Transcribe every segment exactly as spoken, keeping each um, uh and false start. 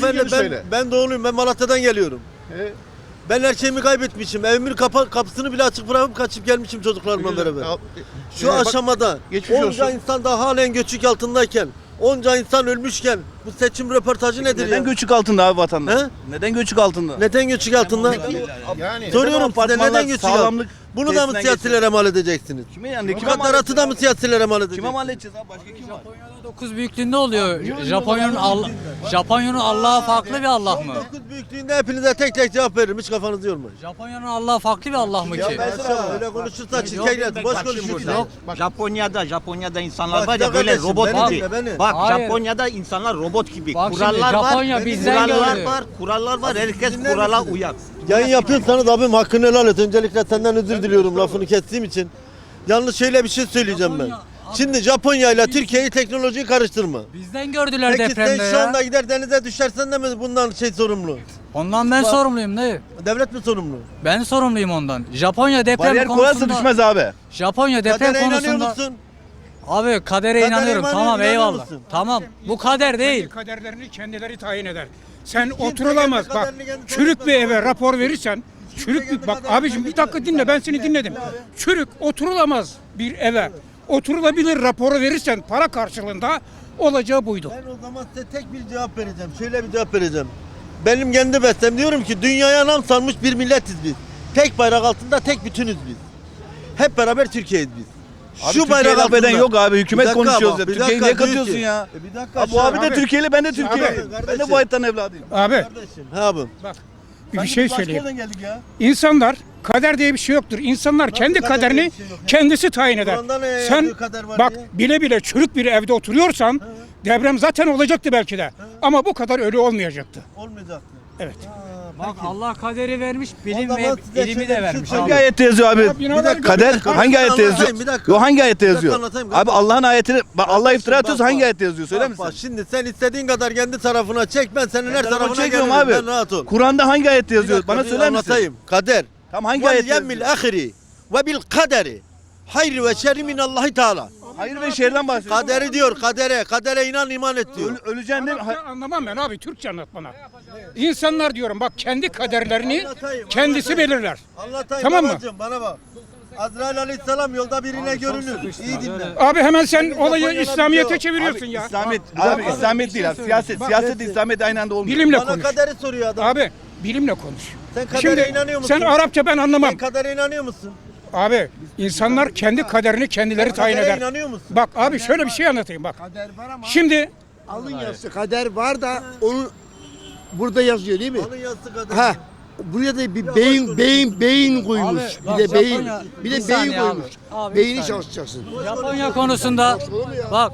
Hanımefendi ben, söyle. ben doğuluyum. Ben Malatya'dan geliyorum. He? Ben her şeyimi kaybetmişim. Evimin kapa, kapısını bile açık bırakıp kaçıp gelmişim çocuklarımla Güzel. beraber. Al- Şu Ee, bak, aşamada geçmiş onca olsun. insan da halen göçük altındayken, onca insan ölmüşken bu seçim röportajı nedir Neden ya? göçük altında abi vatandaş? He? Neden göçük altında? Neden göçük altında? Yani Soruyorum size apartmanlar, neden göçük altında? sağlamlık Bunu da mı tesinden siyasilere mal edeceksiniz? Kime yani? Kime mal Mukadderatı da mı siyasillere mal edeceksiniz? Kime mal edeceğiz abi? Başka kim var? dokuz büyüklüğünde oluyor. Japonya'nın Allah Japonya'nın Allah'ı farklı bir Allah mı? dokuz büyüklüğünde hepinize tek tek cevap veririm. Hiç kafanızı yormayın. Japonya'nın Allah'ı farklı bir Allah mı Ya ki? ben sana öyle konuşursa çirkeyler. Boş konuşuyorsun. Yok. Japonya'da Japonya'da insanlar Bak var ya ya böyle kardeşim, robot beni gibi. dinle, beni. Bak Hayır. Japonya'da insanlar robot gibi. Bak şimdi, kurallar Japonya var. bizden kurallar gördü. var. Kurallar var. Herkes Dinler kurala misiniz? uyar. Yayın yapıyorsanız abim hakkını helal et. Öncelikle senden özür diliyorum lafını kestiğim için. Yalnız şöyle bir şey söyleyeceğim ben. Japonya- Şimdi Japonya ile Türkiye'yi teknolojiyi karıştırma. Bizden gördüler Peki depremde sen şu ya. anda gider denize düşersen de mi bundan şey sorumlu? Ondan ben sorumluyum ne? Devlet mi sorumlu? Ben sorumluyum ondan. Japonya deprem Bariyer koyarsa konusunda düşmez abi. Japonya deprem Kadere inanıyor konusunda musun? Abi kadere Kadere inanıyorum. inanıyor- Tamam inanıyor eyvallah. musun? Tamam. Bu kader değil. Kendi kaderlerini kendileri tayin eder. Sen Kimse oturulamaz kendi bak. kaderini kendi Çürük tayin bir etmez. eve rapor verirsen çürük bir bak abicim bir dakika dinle ben seni dinledim. Çürük oturulamaz bir eve. Oturulabilir raporu verirsen para karşılığında olacağı buydu. Ben o zaman size tek bir cevap vereceğim. Şöyle bir cevap vereceğim. Benim kendi bestem diyorum ki dünyaya nam salmış bir milletiz biz. Tek bayrak altında tek bütünüz biz. Hep beraber Türkiye'yiz biz. Abi Türkiye'ye laf eden yok abi. Hükümet Bir dakika konuşuyoruz bak, ya. bir Türkiye'yi dakika niye diyor katıyorsun ki- ya? E bir dakika Abi bu şu an- abi de Abi- Türkiye'li, ben de Türkiye'liyim. Abi, Ben de kardeşim. bu hayattan evladıyım. Abi Kardeşim, he abim. bak bir şey söyleyeyim. Başka yerden geldik ya. İnsanlar kader diye bir şey yoktur. İnsanlar kendi kader diye kaderini bir şey yok ya? kendisi tayin eder. Kur'an'da ne Sen yazıyor kader var bak diye? bile bile çürük bir evde oturuyorsan deprem zaten olacaktı belki de. Ama bu kadar ölü olmayacaktı. Olmayacaktı. Evet. Bak Allah kaderi vermiş, bilim O ve zaman size ilimi şöyle bir de şey vermiş söyleyeyim. Hangi abi. ayette yazıyor abi? Ya binalar dakika, Kader bir dakika. hangi ayette Anlatayım, yazıyor? bir dakika. Yo hangi ayette Bir dakika yazıyor? anlatayım, Abi kardeşim. Allah'ın ayetini bak Allah Kardeşim, iftira bak, atıyorsa hangi bak. ayette yazıyor? Söyler Bak, misin? bak, şimdi sen istediğin kadar kendi tarafına çek, ben senin her tarafına çekiyorum gelirim. abi. Ben rahat ol. Kur'an'da hangi ayette Bir yazıyor? dakika, Bana bir söyler misin? Anlatayım. Kader. Tamam hangi Ve ayette yemmil yazıyor? ahiri ve bil kaderi. Hayr ve şerri minallahi teala. Hayır ve şerden bahsediyor. Kaderi diyor, kadere. Kadere inan, iman et diyor. Öl, öleceksin değil mi? Arapça anlamam ben abi Türkçe anlat bana. İnsanlar diyorum bak kendi kaderlerini Anlatayım, kendisi anlatayım. belirler. Anlatayım Tamam mı? babacığım, bana bak. Azrail aleyhisselam yolda birine görünür. İyi dinle. Abi hemen sen olayı Japonya'da İslamiyet'e bir şey çeviriyorsun ya. İslamiyet, abi İslamiyet değil abi. Siyaset, siyaset İslamiyet aynı anda olmuyor. Bilimle Bana konuş. kaderi soruyor adam. Abi bilimle konuş. Sen kadere Şimdi inanıyor musun? sen Arapça ben anlamam. Sen kadere inanıyor musun? Abi insanlar kendi kaderini kendileri tayin Kadere eder. inanıyor musun? Bak abi şöyle bir şey anlatayım bak. Şimdi Alın yazısı kader var da onun burada yazıyor değil mi? Alın yazısı kader. Ha. Buraya da bir beyin beyin beyin koymuş. Abi, bak, bir de beyin Japonya- bir bir de beyin saniye abi. koymuş. Abi, bir Beyni saniye. çalışacaksın. Japonya konusunda bak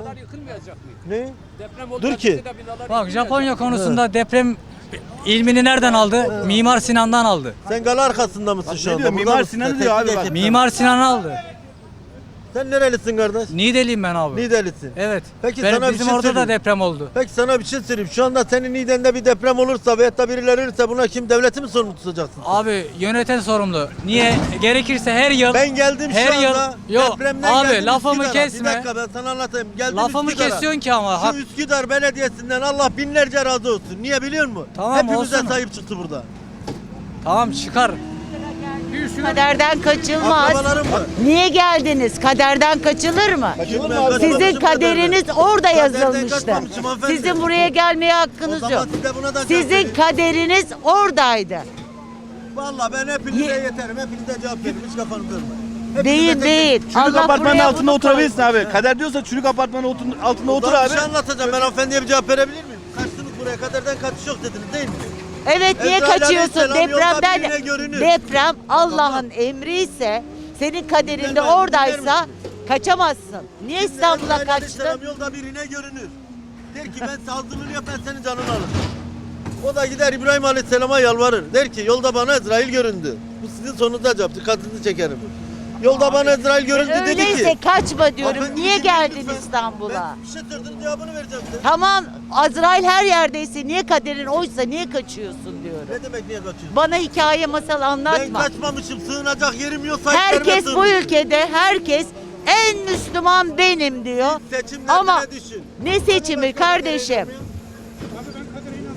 Ne? Dur ki. bak Japonya konusunda deprem ilmini nereden aldı? Mimar Sinan'dan aldı. Sen gala arkasında mısın şu Ne anda? diyor? Burada Mimar mısın? Sinan'ı Sen diyor abi teknik bak. ekipten. Mimar Sinan aldı. Sen nerelisin kardeş? Niğdeliyim ben abi. Niğdelisin. Evet. Peki Benim- sana bir bizim şey orada da söyleyeyim. deprem oldu. Peki sana bir şey söyleyeyim. Şu anda senin Niğde'nde bir deprem olursa veyahut da birileri ölürse buna kim, devleti mi sorumlu tutacaksın? Abi yöneten sorumlu. Niye? Gerekirse her yıl Ben geldim her şu yıl anda yok depremden abi geldim lafımı Üsküdar'a. kesme. Bir dakika ben sana anlatayım. Geldim Lafımı Üsküdar'a. kesiyorsun ki ama hak. Şu Üsküdar Belediyesi'nden Allah binlerce razı olsun. Niye biliyor musun? Tamam, Hepimize olsun. sahip çıktı burada. Tamam çıkar. Kaderden kaçılmaz. Akrabalarım var. Niye geldiniz? Kaderden kaçılır mı? Kaçılır mı? Sizin Kaçılır mı? kaderiniz orada Kaderden yazılmıştı. kaçmamışım hanımefendi. Sizin buraya gelmeye O hakkınız zaman yok. size buna da cevap Sizin vereyim. kaderiniz oradaydı. Vallahi ben hepinize Ye- yeterim. Hepinize cevap veririm. Hiç kafanızı yormayın. Hepinize Değil tek- değil. Çürük Allah apartmanın buraya altında bunu oturabilirsin koymuş. abi. Kader diyorsa çürük apartmanın otun- altında otur Ulan abi. Bir şey anlatacağım. Ben hanımefendiye bir cevap verebilir miyim? Kaçtınız buraya, kaderden kaçış yok dediniz değil mi? Evet niye Ezrail kaçıyorsun? Aleyhisselam yolda Depremden birine görünür. deprem Allah'ın emri ise senin kaderinde Dinler misin? oradaysa Dinler kaçamazsın. Niye İstanbul'a Ezrail kaçtın? Aleyhisselam yolda birine görünür. Der ki ben saldırını yap, ben senin canını alırım. O da gider İbrahim Aleyhisselam'a yalvarır. Der ki yolda bana Ezrail göründü. Bu sizin sonunuzda cevap. Dikkatinizi çekerim. Yolda bana Ezrail göründü dedi Öyleyse ki. kaçma diyorum. Hanımefendi, Niye dinleyin geldin lütfen. İstanbul'a? Ben bir şey sordum, cevabını vereceğim size. Tamam Azrail her yerdeyse niye kaderin oysa niye kaçıyorsun diyorum. Ne demek niye kaçıyorsun? Bana hikaye masal Ben anlatma. kaçmamışım. Sığınacak yerim yok. sahiplerime Herkes bu sığınmışım. ülkede herkes en Müslüman benim diyor. Seçimlerde Ama ne düşün? ne seçimi kardeşim?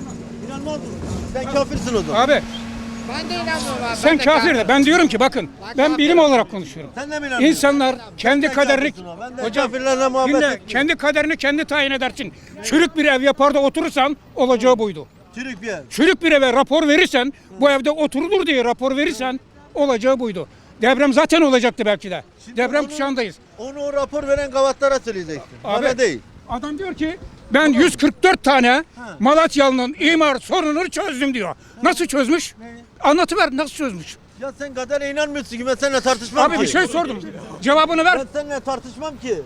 İnanmaz mısın? Sen kafirsin o zaman. Abi Ben de inanmıyorum abi. sen kafir de ben diyorum ki bakın ben bilim olarak konuşuyorum. Sen de mi inanmıyorsun? İnsanlar kendi Sen kaderini kafirsin o. Ben de hocam kafirlerle muhabbet dinle, etmiyorum. kendi kaderini kendi tayin edersin. Çürük bir ev yapar da oturursan olacağı buydu. Çürük bir yer. Çürük bir eve rapor verirsen bu evde oturulur diye rapor verirsen olacağı buydu. Deprem zaten olacaktı belki de. Deprem onu- kuşağındayız. Onu o rapor veren gavatlara söyleyeceksin. Bana değil. Adam diyor ki ben yüz kırk dört tane Malatyalı'nın imar sorununu çözdüm diyor. Nasıl çözmüş? Anlatıver nasıl çözmüş? Ya sen kadere inanmıyorsun ki ben seninle tartışmam Abi ki. bir şey sordum. Cevabını ver. Ben seninle tartışmam ki.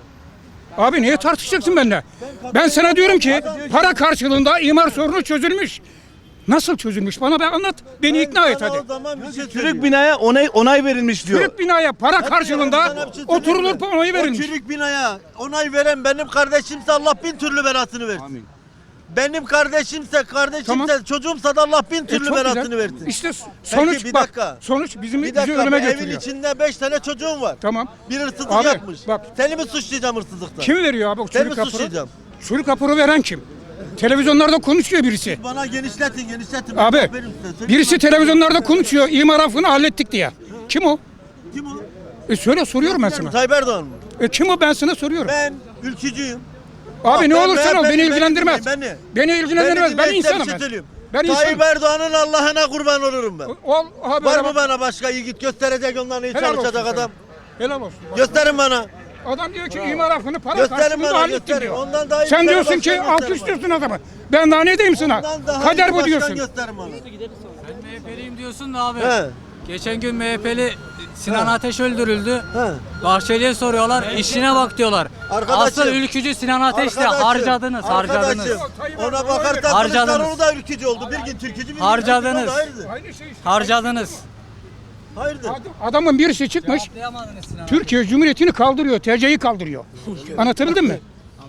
Abi niye tartışacaksın benimle? Ben sana diyorum ki para karşılığında imar sorunu çözülmüş. Nasıl çözülmüş? Bana ben anlat. Beni ikna et Sana hadi. O zaman bir şey Çürük söyleyeyim. binaya onay, onay verilmiş diyor. Çürük binaya para Sana karşılığında bir şey söyleyeyim oturulur mi? onayı O verilmiş. çürük binaya onay veren benim kardeşimse Allah bin türlü belasını versin. Amin. Benim kardeşimse, kardeşimse, Tamam. çocuğumsa da Allah bin E, türlü çok belasını güzel. versin. İşte sonuç bir bak. dakika. Sonuç bizim Bir bizi dakika, ölüme bu evin götürüyor. içinde beş tane çocuğum var. Tamam. Bir hırsızlık Abi, yapmış. bak. Seni mi suçlayacağım hırsızlıktan? Kim veriyor abi o Seni mi çürük raporu? suçlayacağım? Çürük raporu veren kim? Televizyonlarda konuşuyor birisi. Bana genişletin, genişletin. Abi Aferin size. Söyle birisi bak. televizyonlarda konuşuyor. İmar affını hallettik diye. Kim o? Kim o? E söyle soruyorum ben sana. Tayyip Erdoğan mı? E kim o ben sana soruyorum. Ben ülkücüyüm. Abi ne ben- olursan ben- ol beni- beni beni ilgilendirmez. dinleyin, beni. Beni ilgilendirmez. Ben dinleyin, size insanım bir şey ben. söyleyeyim. Ben Tayyip insanım. Erdoğan'ın Allah'ına kurban olurum ben. Ol abi. Var helal- mı bana başka yiğit gösterecek ondan iyi helal olsun çalışacak sana. adam? Helal olsun. Gösterin bana. Adam diyor ki imar affını para Gösterin karşılığında bana, hallettim gösterin. diyor. Ondan daha iyi bir Sen tane diyorsun ki başkan alt gösterin istiyorsun adamı. Ben daha ne diyeyim sana? Ondan daha iyi Kader bir bu başkan diyorsun. gösterin bana. Ben M H P'liyim diyorsun da abi. He. Geçen gün M H P'li Sinan Ateş öldürüldü. He. Bahçeli'ye soruyorlar, işine bak diyorlar. Arkadaşım. Asıl ülkücü Sinan Ateş'ti. Arkadaşım, Harcadınız, harcadınız. arkadaşım, ona bakarsan Harcadınız. Kılıçdaroğlu da ülkücü oldu. Bir gün Türkücü, bir gün Harcadınız. Türkücü oldu. Hayırdır? Aynı şey işte. Harcadınız. Hayırdır? Adamın birisi çıkmış. Cevaplayamadınız Sinan. Türkiye Cumhuriyeti'ni kaldırıyor. T C'yi kaldırıyor. Anlatabildim mi?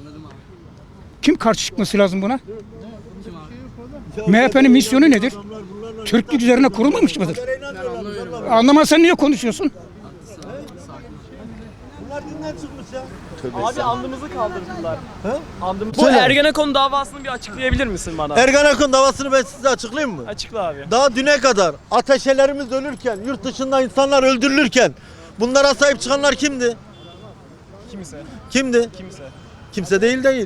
Kim karşı çıkması lazım buna? M H P'nin misyonu nedir? Türklük üzerine kurulmamış mıdır? Anlamazsan niye konuşuyorsun? Bunlar dinden çıkmış ya. Abi andımızı kaldırdılar. He? Andımız. Bu Söyle. Ergenekon davasını bir açıklayabilir misin bana? Ergenekon davasını ben size açıklayayım mı? Açıkla abi. Daha düne kadar ateşelerimiz ölürken, yurt dışında insanlar öldürülürken bunlara sahip çıkanlar kimdi? Kimse. Kimdi? Kimse. Kimse değil değil.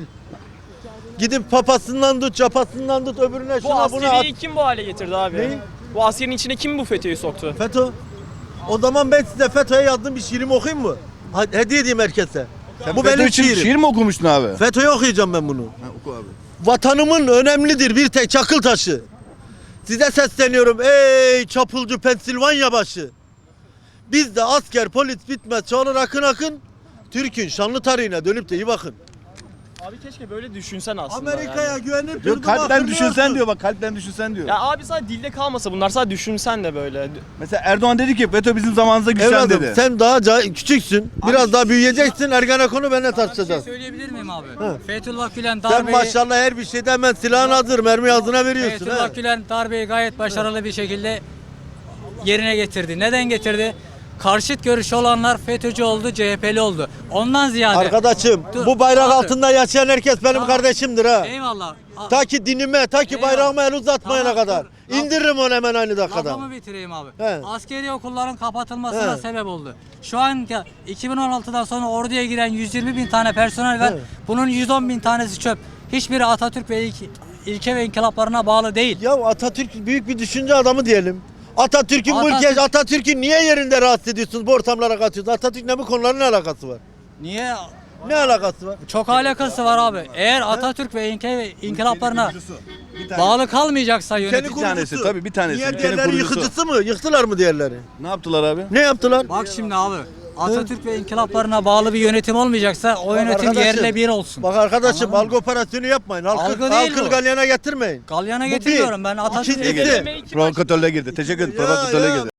Gidip papasından tut, capasından tut, öbürüne Bu şuna buna at. askeriyi kim bu hale getirdi abi? Neyi? Bu askerin içine kim bu FETÖ'yü soktu? FETÖ. O zaman ben size FETÖ'ye yazdığım bir şiirimi okuyayım mı? Ha- Hediye edeyim herkese. Bu FETÖ benim için şiirim. şiir mi okumuştun abi? FETÖ'ye okuyacağım ben bunu. Ha, oku abi. Vatanımın önemlidir bir tek çakıl taşı. Size sesleniyorum ey çapulcu Pensilvanya başı. Bizde asker polis bitmez çoğalır akın akın. Türk'ün şanlı tarihine dönüp de iyi bakın. Abi keşke böyle düşünsen aslında. Amerika'ya yani. güvenip Diyor, yurduma kalpten akın düşünsen olsun. diyor bak kalpten düşünsen diyor. Ya abi sadece dilde kalmasa bunlar sadece düşünsen de böyle. Mesela Erdoğan dedi ki FETÖ bizim zamanımızda güçlendi Evladım dedi. sen daha ca- küçüksün. Biraz daha büyüyeceksin. Ergenekon'u benimle Bir şey tartışacağız. söyleyebilir miyim abi? Fethullah Gülen Sen darbeyi, maşallah her bir şeyde hemen silahın hazır. Mermi ağzına veriyorsun. Fethullah he. Gülen darbeyi gayet başarılı bir şekilde yerine getirdi. Neden getirdi? Karşıt görüşü olanlar FETÖ'cü oldu, C H P'li oldu. Ondan ziyade. Arkadaşım Dur, bu bayrak abi. altında yaşayan herkes benim Tamam. kardeşimdir ha. Eyvallah. A- Ta ki dinime, ta ki Eyvallah. bayrağıma el uzatmayana Tamam, kadar. dur. Laf- İndiririm onu hemen aynı dakikada. Lafımı bitireyim abi. He. Askeri okulların kapatılmasına He. sebep oldu. Şu an ya- iki bin on altıdan sonra orduya giren yüz yirmi bin tane personel var. He. Bunun yüz on bin tanesi çöp. Hiçbiri Atatürk ve ilk, ilke ve inkılaplarına bağlı değil. Ya Atatürk büyük bir düşünce adamı diyelim. Atatürk'ün bu Atatürk- ülke, Atatürk'ü niye yerinde rahatsız ediyorsunuz, bu ortamlara katıyorsunuz? Atatürk'le bu konuların ne alakası var? Niye? Ne alakası var? Çok alakası var abi. Eğer Atatürk ve ilke ve inkılaplarına Bir tane- bağlı kalmayacaksa Ülkenin yönetici. tanesi, kurucusu. tabii bir tanesi, Diğer ülkenin diğerleri kurucusu. yıkıcısı mı? Yıktılar mı diğerleri? Ne yaptılar abi? Ne yaptılar? Bak şimdi abi. Atatürk ve inkılaplarına bağlı bir yönetim olmayacaksa o yönetim arkadaşım, yerle bir olsun. Bak arkadaşım Anladın mı? algı operasyonu yapmayın. Halkı, Algı değil halkını bu. galyana getirmeyin. Galyana Bu getiriyorum bir. ben Atatürk'e İkincisi- getiriyorum. Demeyi kim Provokatörle girdi. Teşekkür ederim. Ya, Provokatörle ya. girdi.